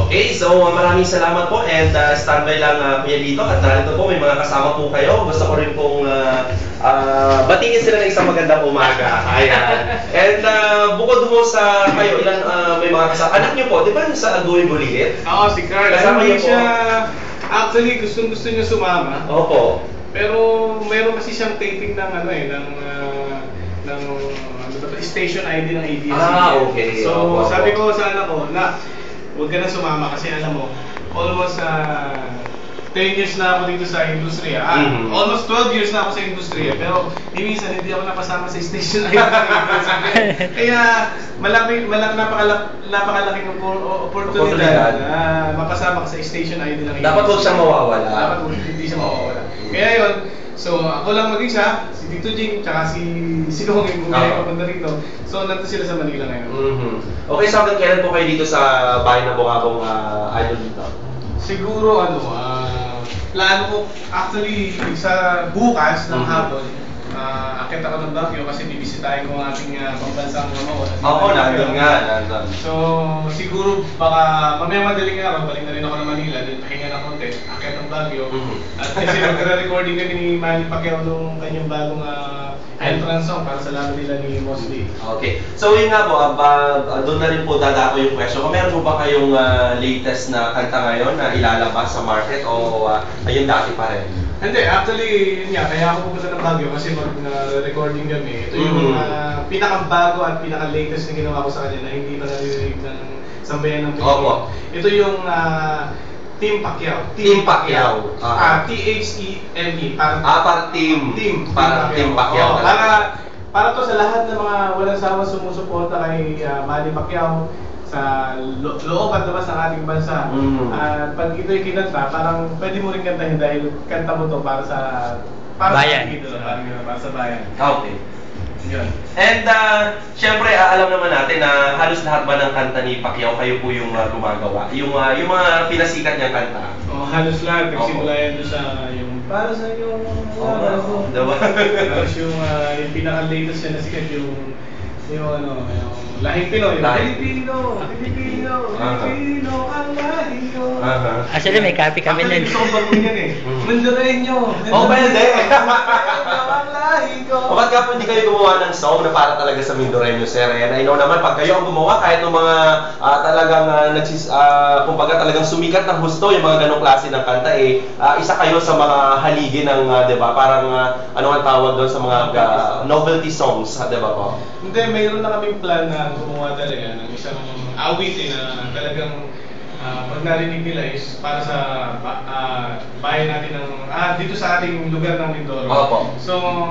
Okay, so maraming salamat po and standby lang Kuya Lito at narito po may mga kasama po kayo. Gusto ko rin pong batiin sila ng isang magandang umaga. Ayan. And bukod mo sa kayo, ilan may mga kasama. Anak niyo po, di ba sa Agoy Bulilit? Oo, si Carl. Kasama niyo po? Actually, gusto niya sumama. Opo. Pero meron kasi siyang taping ng station ID ng ABS-CBN. Okay. So, sabi ko sa anak ko, na huwag ka na sumama kasi alam mo, almost 10 years na ako dito sa industriya. Almost 12 years na ako sa industriya. Pero minsan hindi ako napasama sa station ID ng ABS-CBN. Kaya napakalaking oportunidad na mapasama ka sa station ID ng ABS-CBN. Dapat huwag siyang mawawala. Dapat hindi siya mawawala. Kaya yun, so ako lang mag-isa, si Tito Jing, tsaka si Dong yung pumunta rito. So nandito sila sa Manila ngayon. Okay, so hanggang kailan po kayo dito sa bahay na Bungabong idol dito? Siguro plano ko actually sa bukas ng hapon, akit ako ng Baguio kasi bibisitahin ko ang ating pambansang mamaw. Oo, nandun nga. So siguro baka mamaya madaling araw, balik na rin ako ng Manila, then pahinga ng konti, akit ng Baguio. At kasi nagre-recording kami ni Manny Pacquiao nung kanyang bagong entrance song para sa laban nila ni Mosley. Okay. So yun nga po, doon na rin po dadako yung question. Kung meron po ba kayong latest na kanta ngayon na ilalabas sa market o ayun dati pa rin? Hindi, actually, yun nga, kaya ako pupunta ng Baguio kasi mag-recording kami. Ito yung pinakabago at pinaka-latest na ginawa ko sa kanya na hindi pa narinig ng sambayan ng Pilipino. Ito yung Team Pacquiao. Team Pacquiao. T-H-E-M-E. Para Team Pacquiao. Para to sa lahat ng mga walang sawa sumusuporta kay Manny Pacquiao sa loob at labas ng ating bansa. At pag ito'y kinanta, parang pwede mo rin kantahin dahil kanta mo to para sa bayan. Para sa bayan. Okay. Yun. And syempre alam naman natin na halos lahat ba ng kanta ni Pacquiao kayo po yung gumagawa? Yung mga pinasikat niyang kanta? Halos lahat. Nagsimula yan doon sa yung para sa yung tapos yung pinaka-latest niya na sikat yung lahing Pinoy. Filipino ang lahi ko. Actually, may copy kami nun. Actually, gusto kong baguhin yan eh. Mandareño. Pwede. Ang lahi ko. O ba't nga po hindi kayo gumawa ng song na para talaga sa Mindoreño, sir? And I know naman, pag kayo ang gumawa, kahit ng mga talagang kumbaga talagang sumikat ng husto, yung mga ganong klase ng kanta, isa kayo sa mga haligi ng, di ba, parang ano ang tawag doon sa mga novelty songs, di ba po? Hindi, mayroon na kaming plan na gumawa talaga ng isang awit na talagang pag narinig nila is para sa bayan natin ng dito sa ating lugar ng Mindoro. So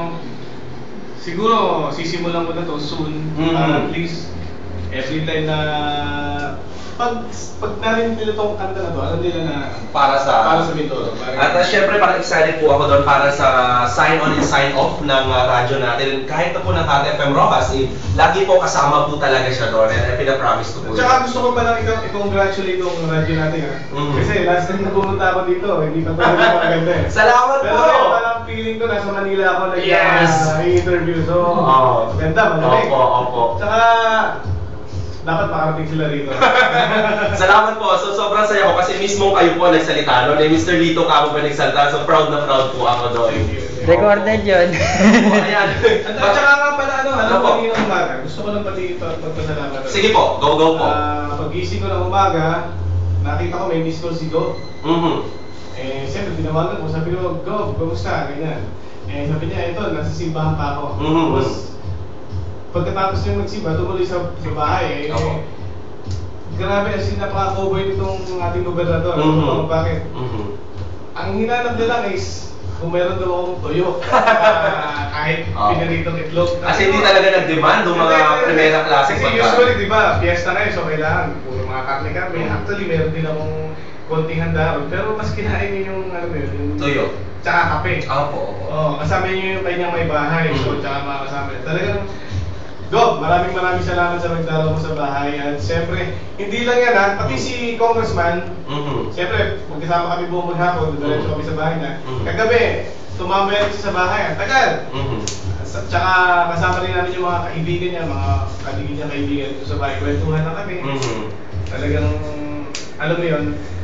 siguro sisimulan ko na to soon para at least every time na pag narinig nila itong kanta na to, alam nila na para sa Mindoro. At syempre parang excited po ako doon para sa sign on and sign off ng radyo natin. Kahit na po ng FM Rojas, lagi po kasama po talaga siya doon. And pinapromise ko po. Tsaka gusto ko palang i-congratulate itong radyo natin Kasi last time na pumunta ako dito, hindi pa talaga maganda eh. Salamat po! Pero parang feeling ko nasa Manila ako nag-interview. So, ganda, malamig. Opo. Tsaka dapat makarating sila rito. Salamat po. So sobrang saya ko kasi mismo kayo po nagsalita noon. Mr. Lito Cabo pa nagsalita. So proud na proud po ako doon. Recorded yun. Ayan. At saka nga pala kanina umaga. Gusto ko lang pati pagpasalamat. Sige po, go po. Pag-gising ko ng umaga, nakita ko may miss call si Go. Siyempre tinawagan ko. Sabi ko, Go, kamusta? Ganyan. Sabi niya, ito, nasa simbahan pa ako. Tapos, pagkatapos niya magsimba, tumuloy sa bahay. Grabe, as in napaka-cover nitong ating gobernador. Bakit? Ang hinanap niya lang is kung meron daw akong toyo. Kahit pinaritong itlog. Kasi hindi talaga nag-demand ng mga primera klase. Kasi usually, di ba, fiesta na so kailangan puro mga karne-karne. Actually, meron din akong konting handa ron. Pero mas kinain niya yung, yung toyo. Tsaka kape. Opo. Kasama niyo yung kanyang may bahay. So, tsaka mga kasama. Talagang Gob, maraming salamat sa nagdalaw mo sa bahay. At siyempre, hindi lang yan pati si Congressman, siyempre, magkasama kami buong maghapon, diretso kami sa bahay na. Kagabi, tumambay rin siya sa bahay, ang tagal. Tsaka kasama rin namin yung mga kaibigan niya, mga kaibigan dito sa bahay. Kwentuhan na kami. Talagang alam mo yun,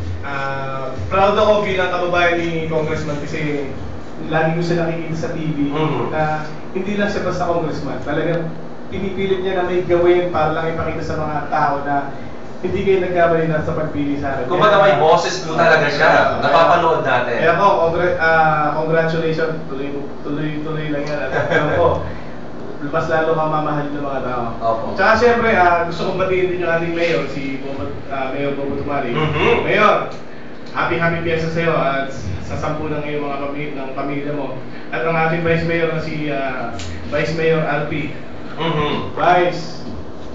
proud ako bilang kababayan ni Congressman kasi lagi ko siya nakikita sa TV na hindi lang siya basta congressman. Talagang pinipilit niya na may gawin para lang ipakita sa mga tao na hindi kayo nagkamali na sa pagpili sa akin. Kung baga may boses po talaga siya. Napapanood natin. Kaya po, congratulations. Tuloy lang yan. At alam ko, mas lalo kang mamahalin ng mga tao. Opo. Tsaka siyempre, gusto kong batiin din yung ating mayor, si Mayor Bobo Tumari. Mayor, happy fiesta sa'yo at sa sampu ng iyong mga pamilya mo. At ang ating Vice Mayor na si Vice Mayor RP. Vice,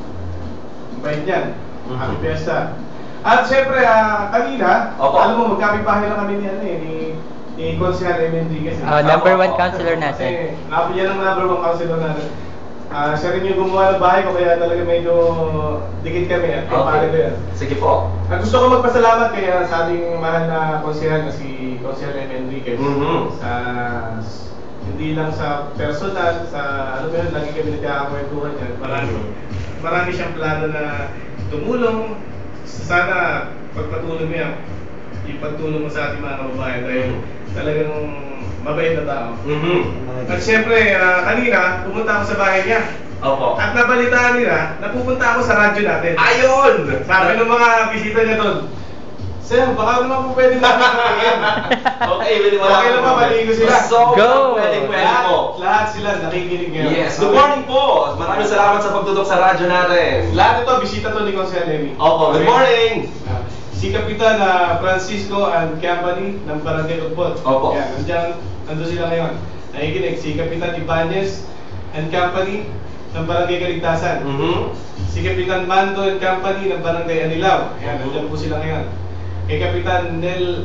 bait yan. Happy fiesta. At siyempre, kanina, alam mo, magkapit-bahay lang kami ni Consihal MND kasi. Number 1 counselor natin. Kasi, yan ang number 1 counselor natin. Siya rin yung gumawa ng bahay ko, kaya talaga medyo dikit kami at kapare ko yan. Sige po. Gusto ko magpasalamat kaya sa ating mahal na konsihal na si Consihal Enriquez. Sa hindi lang sa personal, sa ano ba yun, lagi kami nagkakakwentuhan yan. Marami siyang plano na tumulong. Sana pagpatuloy mo yan, ipagtulong mo sa ating mga kababayan dahil talagang mabait na tao. At siyempre, kanina, pumunta ako sa bahay niya. Opo. At nabalitaan nila, napupunta ako sa radyo natin. Ayun! Sabi ng mga bisita niya doon, Sir, baka naman po pwede namin kumain. Okay, pwede wala. Okay naman, maligo sila. So, Go! pwede po. Lahat sila nakikinig ngayon. Yes. Good morning po. Maraming salamat sa pagtutok sa radyo natin. Lahat ito, bisita to ni Consihal Emmy. Opo, good morning. Si Kapitan Francisco and Company ng Barangay Ugbot. Opo. Yan, nandun sila ngayon. Nakikinig. Si Kapitan Ibanez and Company ng Barangay Kaligtasan. Si Kapitan Mando and Company ng Barangay Anilaw. Yan, nandyan po sila ngayon. Kay Kapitan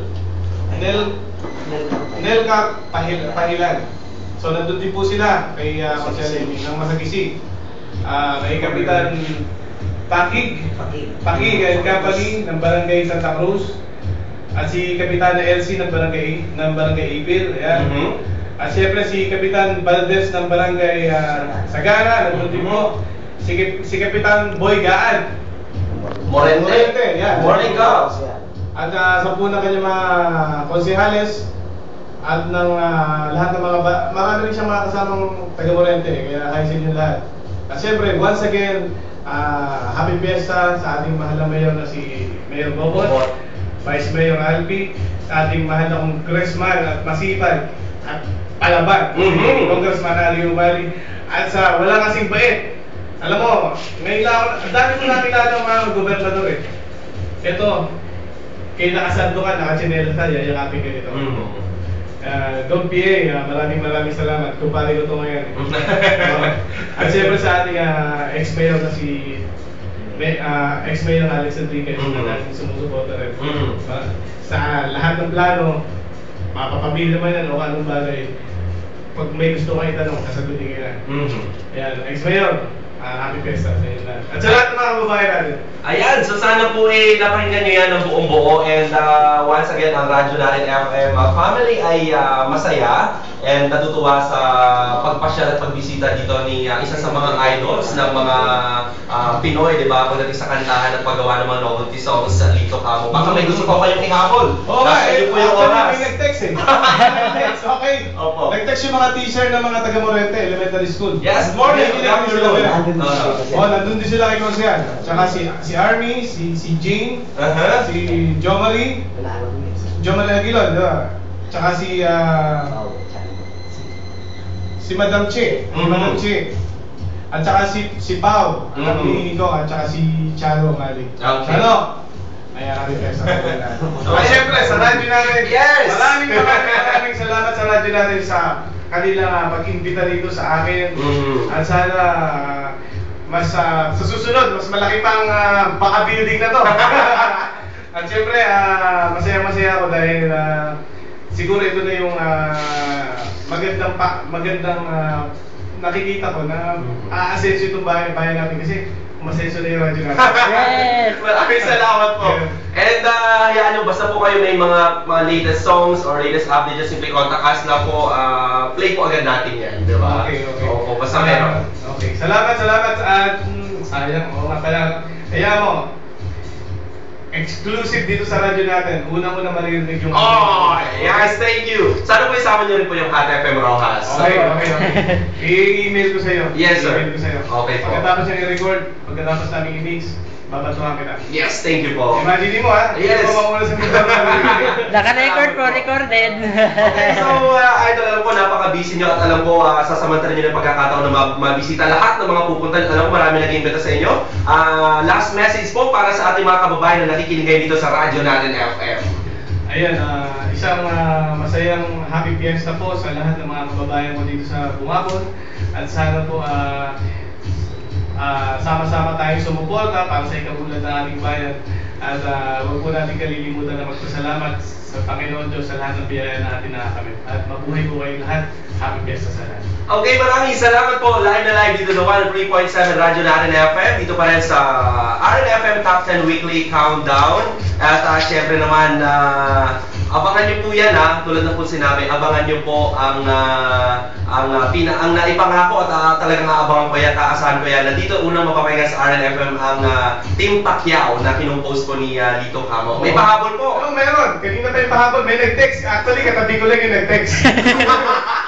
Nelcar Pahilan. So nandun din po sila kay Consihal Emmy ng Masagisi. Kay Kapitan Pakig and Company ng Barangay Santa Cruz. At si Kapitan Elsie ng Barangay Ipil. Ayan. At syempre si Kapitan Valdez ng Barangay Sagara, nandun din po. Si Kapitan Boy Gaan Morente. Yan. Morning, Cubs. At sa po ng kanyang mga konsihales at ng lahat ng mga marami rin siyang mga kasamang taga-Morente, kaya hi sa inyo lahat. At syempre, once again, happy fiesta sa ating mahal na mayor na si Mayor Bobot, Vice Mayor Alpi, sa ating mahal na congressman at masipag at palaban, si Congressman Ali Umali, at sa wala kasing bait. Alam mo, ngayon lang, ang dami ko nakilala ng mga gobernador eh. Ito, kayo nakasando ka, nakachinelas ka, yayakapin ka nito. Don PA, maraming salamat. Kumpare ko ito ngayon. At siyempre sa ating ex-mayor na si ex-mayor Alex Enriquez na natin sumusuporta rin. Sa lahat ng plano, mapapamili naman yan o anong bagay. Pag may gusto kayo itanong, sasagutin kayo na. Ayan, ex-mayor, happy fiesta sa inyo lahat. At sa lahat ng mga kababayan natin. Ayan, so sana po napakinggan nyo yan ng buong buo. And once again, ang radyo natin FM family ay masaya and natutuwa sa pagpasyal at pagbisita dito ni isa sa mga idols ng mga Pinoy, di ba? Pagdating sa kantahan at paggawa ng mga novelty songs sa Lito Camo. Baka may gusto pa kayong ihabol. Oo nga, po yung oras. may nag-text eh. Okay. Opo. Nag-text yung mga teacher ng mga taga-Morente Elementary School. Yes, good morning. Good afternoon. Nandun din sila kay Consihal. Tsaka si Army, si Jane, si Jo Marie Aguilon, di ba? Tsaka si Madam Che, at tsaka si Pao, ang hinihingi ko, at tsaka si Charo Mali. Charo! Ayan, happy fiesta. At syempre, sa radyo natin, maraming salamat sa radyo natin sa kanilang pag-imbita dito sa akin. At sana sa susunod, mas malaki pang baka building na to. At syempre, masaya ako dahil siguro ito na yung magandang nakikita ko na aasenso itong bayan natin kasi umasenso na yung radyo natin. Yes! Maraming salamat po. And hayaan nyo, basta po kayo may mga latest songs or latest updates, just simply contact us na po, play po agad natin yan, di ba? Okay. Opo, basta meron. Okay, salamat at sayang, oo nga pala. Kaya mo, exclusive dito sa radyo natin. Una-una maririnig yung... Oh, yes, thank you. Sana po isama niyo rin po yung Hot FM Rojas. Okay. I-email ko sa'yo. Yes, sir. I-email ko sa'yo. Okay po. Pagkatapos niya i-record, pagkatapos namin i-mix, babatuhan kita. Yes, thank you po. Imagine mo ha? Yes. Hindi mo mauna sa mga Naka-record po, recorded. Okay, so idol, alam ko napaka-busy nyo at alam ko sasamantalan nyo ng pagkakataon na mabisita lahat ng mga pupunta. Alam ko marami nag-iimbita sa inyo. Last message po para sa ating mga kababayan na nakikinig ngayon dito sa radyo natin FM. Ayan, isang masayang happy fiesta po sa lahat ng mga kababayan ko dito sa Bungabon. At sana po sama-sama tayong sumuporta para sa ikabulan ng ating bayan. At huwag po natin kalilimutan na magpasalamat sa Panginoon Diyos sa lahat ng biyaya na ating nakakamit. At mabuhay po kayong lahat. Happy fiesta sa lahat. Okay, maraming salamat po. Live na live dito sa 103.7 Radyo na RNFM. Dito pa rin sa RNFM Top 10 Weekly Countdown. At syempre naman, abangan nyo po yan tulad na po sinabi, abangan nyo po ang naipangako at talagang aabangan ko yan, taasahan ko yan. Nandito unang mapapakinggan sa RNFM ang Team Pacquiao na kinumpose po ni Lito Camo. May pahabol po. Oo, meron. Kanina tayo pahabol. May nag-text. Actually, katabi ko lang yung nag-text.